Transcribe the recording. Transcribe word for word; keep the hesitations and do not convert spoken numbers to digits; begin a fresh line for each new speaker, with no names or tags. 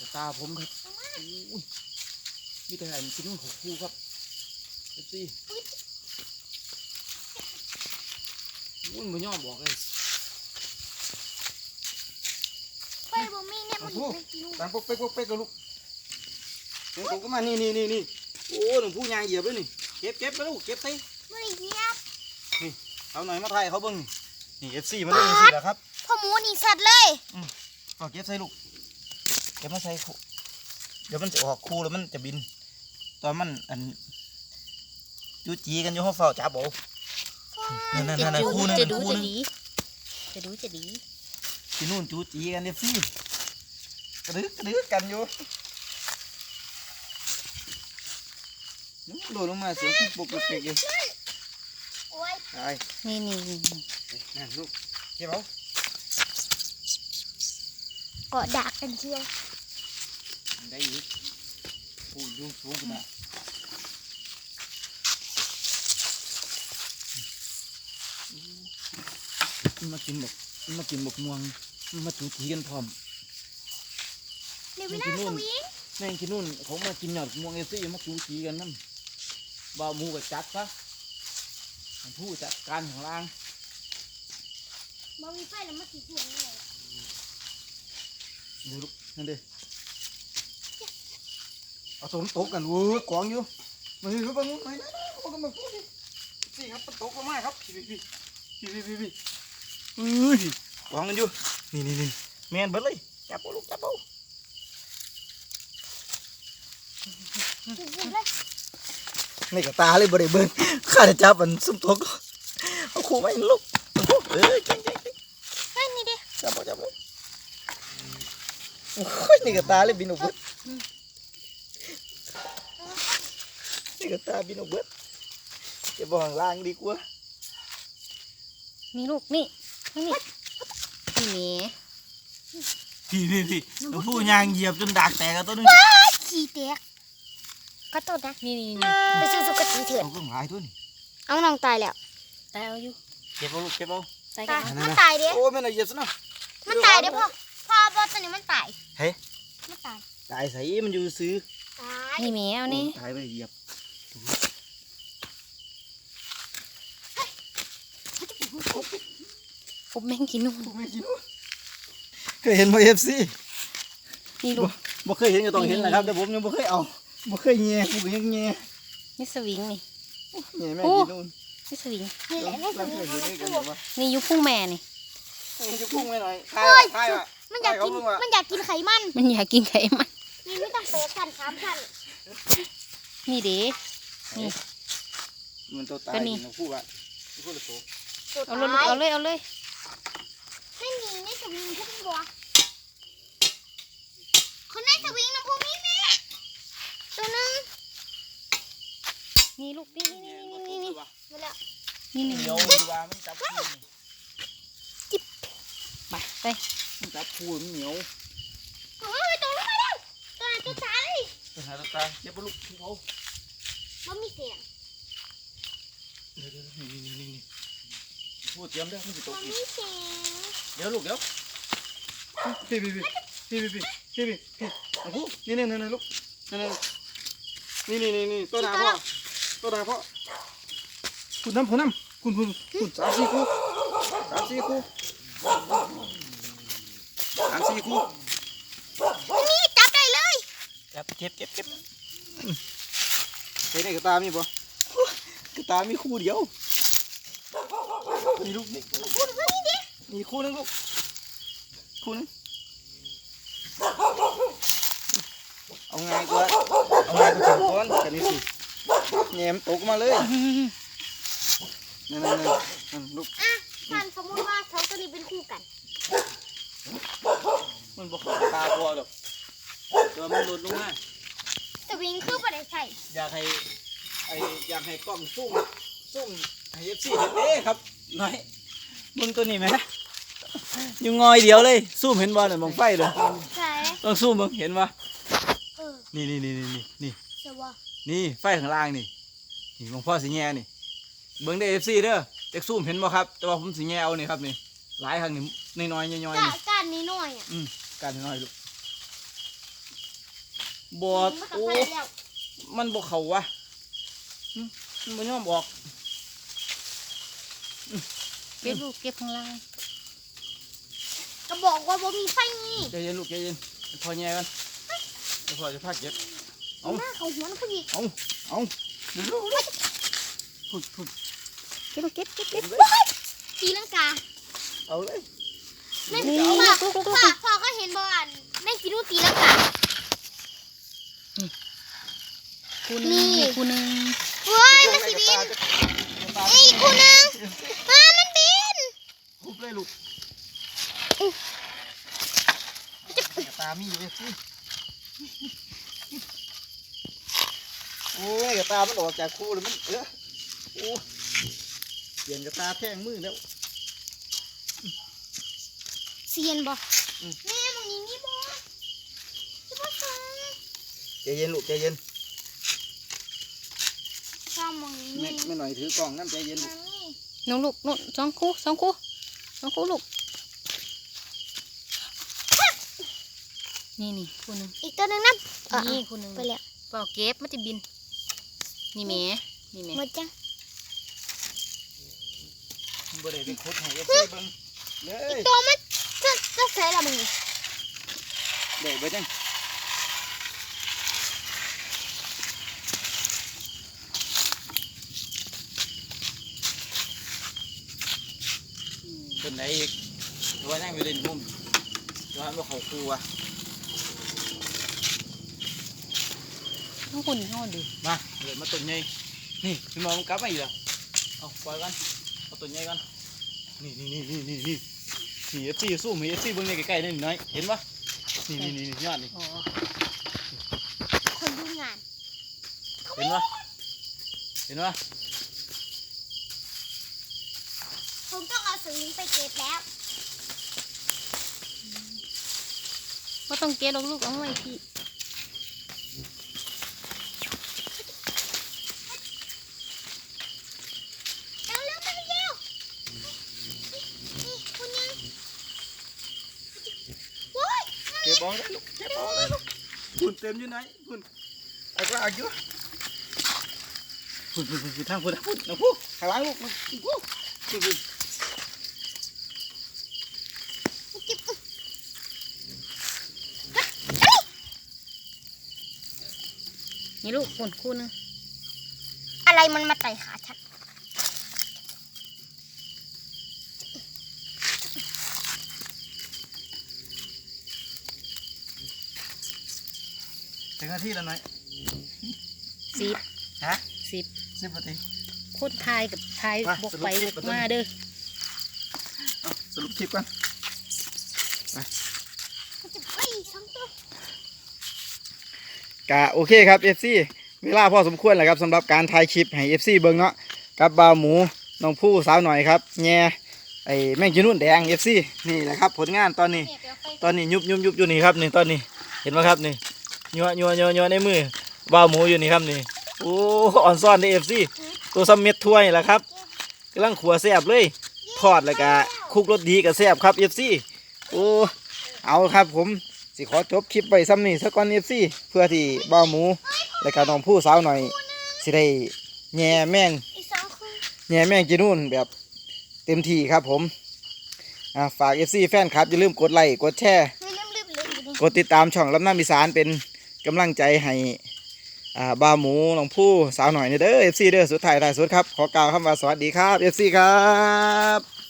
ตาผมครับอุ้ยมีแต่กินนู่นหกคู่ครับเอฟซีอุ้ยมันย่อบอกเลย
ไปบ่มีเนี่ยมันไม่กิน
ตังปุ๊กเป๊กปุ๊กเป๊กกับลูกเดี๋ยวผมก็มานี่นี่นี่นี่โอ้หนุ่มผู้ยางเหยียบเลยนี่เก็บเก็บไปลูกเก็บไป
ไม่ได้เหยียบ
นี่เอาหน่อยมาไทยเขาเบิ้งนี่เอฟซีมันเล่นสิแล้วครับ
พ่อหมูนี่สัตว์เลย
อืมก็เก็บใส่ลูกเก็บมาใส่คู่เดี๋ยวมันจะออกคู่แล้วมันจะบินตอนมันอันจูจีกันอยู่ห้องเฝ้าจับโบนั่นนั่นนั่นคู่นึงจะดูจะดี
จะดูจะดี
ที่นู่นจูจีกันเอฟซีกระดึกกระดึกกันอยู่โดดลงมาเสียงปุ๊กปุ๊กเป๊กอยู่ไอ้
นี่นี่
นั่นลูกเก็บเอา
เกาะดักกันเชียว
ได้อีกโอ้ยยุ่งสูงขนาดมากินบกมากินบกม่วงมาจูจีกันพร้อม
เดี๋ยวไม่ได้สวิง
แม่งกินนู่นเขามากินหยอดม่วงเอซี่มาจูจีกันนั่นบ่าวมูกับจัดซะผู้จัดการของล่าง
บ่มีไฟแล้วมากี่ตัวนี่เลย
ดูลูกนั่นดิเอาตัวมันตกกันวู้กองอยู่มาดูบ้างนู้นไหนนะโอ้กันมาพูดดิสิครับมันตกลงมาครับพี่พี่พี่พี่พี่พี่อุ้ยกองกันอยู่นี่นี่นี่แมนเบิดเลยจับเอาลูกจับเอานี่กับตาเลยบริเบิร์นข้าจะจับมันซุ่มตกเอาคู่ไม่ลูกเออเก่งเก่งเก่ง
เฮ้ยนี่ดิ
จับเอาจับเอาโอ้ยนี่กับตาเลยบินออกเบิดนี่กับตาบินออกเบิดจะบอกล่างดีกว่า
นี่ลูกนี่นี่นี่
พี่พี่พี่ตัวผู้ยางเหยียบจนดักแตกตัวนึง
ขี้แตกก็ตัวนะนี่นี่นี่ไปสู้สุกตีเถื่อน
เอาเพิ่งหายทุน
เอาน้องตายแล้ว
ตายเอาอยู่
เก็บเอาลูกเก็บเอา
ตายมันตายเด้
โอ้ไม่น่าเหยียบซะนะ
มันตายเด้พ่อพ่อบอสตัวนี้มันตาย
เฮ้ย
มันตาย
ตายใส่มันอยู่ซื้อ
ตาย
นี่แมวนี่
ตายไปเหยียบ
ผมแม่งกินนู่น
เคยเห็นไหมเอฟซี
นี่ลูก
บ่เคยเห็นก็ต้องเห็นแหละครับแต่ผมยังบ่เคยเอาบ่เคยแง่ผมก็ยังแง่
นี่สวิงนี่
แง่แม่กินนู่น
นี่สวิง
นี่แหละนี่สวิง
นี่ยุพุ่งแม่นี่
ยุพุ่งไว้หน่อย
เฮ้ยมันอยากกินมันอยากกินไขมัน
มันอยากกินไขมัน
นี่ไม่ต้องเปย์กันสามพัน
นี่เด้นี่
มันตัวตายนี่พูดว่าพูดเลยโต
เอาเลยเอาเลยเอาเลย
ไม่มีในสวิงพวกนี้บัวคนในสวิงน้ำพุมีแม่ตัวนึง
นี่ลูกนี่นี่นี่นี่นี่
มาแล้ว
นี่นี่
เดี๋ยวดีว่ามันจับพู
จิ๊บไปไป
มันจับพูมันเหนียว
โอ้ยตัวลูกมาแล้วตัวไหนตัวตาย
ตัวหาตัวตายเจ็บปะลูกที่เขา
มันมีเสียง
เดี๋ยวเดี๋ยวนี่นี่นี่พูดเตรียมได้ไม่ติดตกอีก
เ
ดี๋ยวลูกเดี๋ยวพี่พี่พี่พี่พี่พี่พี่พี่พี่โอ้โหนี่นี่นี่ลูกนี่นี่นี่นี่นี่ตัวหนาพ่อตัวหนาพ่อคุณน้ำคุณน้ำคุณคุณคุณสามสี่คู่สามสี่คู่สามสี่คู่
นี่จับได้เลย
จับเก็บเก็บเก็บเฮ้ยนี่กระตามีบ่กระตามีคู่เดียวนี่ลูกนี่มีคู่นึงลูกคู่นึงเอาไงกูเอาไงกูจับก้อนกันนี่สิแง่มตกมาเลยนั่นนั่นนั่นลูก
อ่ะท่านสมมติว่าสองตัวนี้เป็นคู่กัน
มันบอกตาตัวหรอกตัวมันหลุดลงมา
สวิงคือประเดี๋ยวใส่
อยากให้ไออยากให้กล้องซุ่มซุ่มให้เอฟซีเห็นเด้ครับน้อยมึงตัวนี้ไหมยังงอยเดียวเลยซูมเห็นบอลหน่อยมองไฟเลยต้องซูมมึงเห็นปะนี่นี่นี่นี่นี่นี่นี่ไฟข้างล่างนี่นี่มองพ่อสีแง่นี่เบิ้งได้เอฟซีเด้อเด็กซูมเห็นบ่ครับแต่ว่าผมสีแง่เอานี่ครับนี่หลายครั้งนี่น้อยน้อยน้อย
นี่การนี้น้อยอ่ะ
อืมการน้อยลูกบอด
มันก็
โอ้
ไปแล้ว
มันบ่เข้าวะหึมันบ่ยอมออก
เก็บลูกเก็บข้างล่าง
ก็บอกว่าบ่มีไฟนี่
ใจเย็นลูกใจเย็นพอแย่กันเดี๋ยวพอจะพาเก็บ เอา
หน้าเขาหัวนะพี่
เอาเอาเร็วๆเร็วๆพุ่นพุ่น
เก็บลูกเก็บเก็บเก็บ
ตีลังกา
เอาเลย
นั่น
นี่
พ่อ
ลูกลูกลูก
พ่อพ่อก็เห็นบ่อันนั่นกินลูกตีลังกา
คู่หนึงนี่คู่หนึง
เฮ้ยมันสิบินไอ้กูนึงอ่ามันบิน
คุบเลยลูกกระตามีอยู่เลยสิโอ้ยกระตามันออกจากคู่เลยมันเออโอ้เปลี่ยนกระตาแท่งมือแล้ว
เซียนบ่
อืม
แม่มึงนี่มีบ่จะบ่ฟัง
ใจเย็นลูกใจเย็น
ชอบมึง
ไม่
นี่
ไม่หน่อยถือกล่องน้ำใจเย็นลูก
นี่
น้องลูกนู่นสองคู่สองคู่สองคู่ลูกนี่นี่คู่หนึง
อีกตัวหนึงนะอ่ะ
นี่คู่หนึง
ไปแล้ว
เปล่าเก็บมันจะบินนี่แหม่นี่แหม่
หมดจัง
บ่ได้ไปคุดให้เอฟซีเบิ่งเลย
ตัวมันจะจะใส่ละมึงนี่
เดี๋ยวไปจังเป็นไหนอีกว่านั่งอยู่เล่นมุมว่าบ่เข้าครูอ่ะ
น้องคุณห่อดู
มาเดี๋ยวมาตัวใหญ่นี่พี่มองมันกลับมาอีกแล้วเอาปล่อยกันเอาตัวใหญ่กันนี่นี่นี่นี่นี่นี่นี่เอฟซีสู้มีเอฟซีเบิ่งในใกล้ๆนี่น้อยเห็นปะนี่นี่นี่ยอดนี่
อ๋อ
คนดูงาน
เห็นปะเห็นปะ
ผมต้องเอาสวิงไปเก็บแล้ว
ก็ต้องเก็บลูกๆเอาไว้ที่
เร็วเร็วไปเร็วนี่คุณยังโว้ย
เก็บบอลได้ลูกเก็บบอลได้ลูกคุณเต็มอยู่ไหนคุณไอ้กล้าอยู่คุณคุณคุณทางคุณทางคุณนะพูข้างหลังลูกคุณคุณคุณ
จิบ
นี่ลูกคุณคู่หนึง
อะไรมันมาไต่ขาฉัน
ถึงนาทีแล้วน้อย
สิบ
ฮะ
สิบ
สิบนาที
คนทายกับทาย
มา
บก
สรุป
ไป
คลิ
บ
ป
ก
ก่อน
มาเด้อ
เอาสรุปคลิปกัน
จิบเฮ้ยสองตัว
กะโอเคครับ เอฟ ซี เวลาพอสมควรแล้วครับสำหรับการถ่ายคลิปให้ เอฟ ซี เบิ่งเนาะกับบ่าวหมูน้องผู้สาวหน่อยครับแง่ไอ้แม่งกินนุ่นแดง เอฟ ซี นี่แหละครับผลงานตอนนี้
เนี่ยเดี๋ยวไป
ตอนนี้ยุบยุบยุบอยู่นี่ครับนี่ตอนนี้เห็นไหมครับนี่ยัวยัวยัวยัวในมือบ่าวหมูอยู่นี่ครับนี่โอ้อ่อนซ่อนใน เอฟ ซี ตัวซัมเม็ดถ้วยแหละครับกำลังขัวแซ่บเลยทอดแล้วก็คลุกรสดีกับแซ่บครับ เอฟ ซี โอ้เอาครับผมสิขอจบคลิปไปซ้ำนี่สักก่อน เอฟ ซี เพื่อที่บ่าวหมูและก็น้องผู้สาวหน่อยสิได้แง่แม่ง
อีกสองคน
แง่แม่งกินนู่นแบบเต็มที่ครับผมอ่าฝาก เอฟ ซี แฟนครับอย่าลืมกดไลค์กดแชร์
ไม่ลืมลืมลืมอยู่นี่
กดติดตามช่องลำน้ำอีสานเป็นกำลังใจให้อ่าบ่าวหมูน้องผู้สาวหน่อยเด้อ เอฟ ซี เด้อสุดท้ายท้ายสุดครับขอกล่าวคำว่าสวัสดีครับ เอฟ ซี ครับ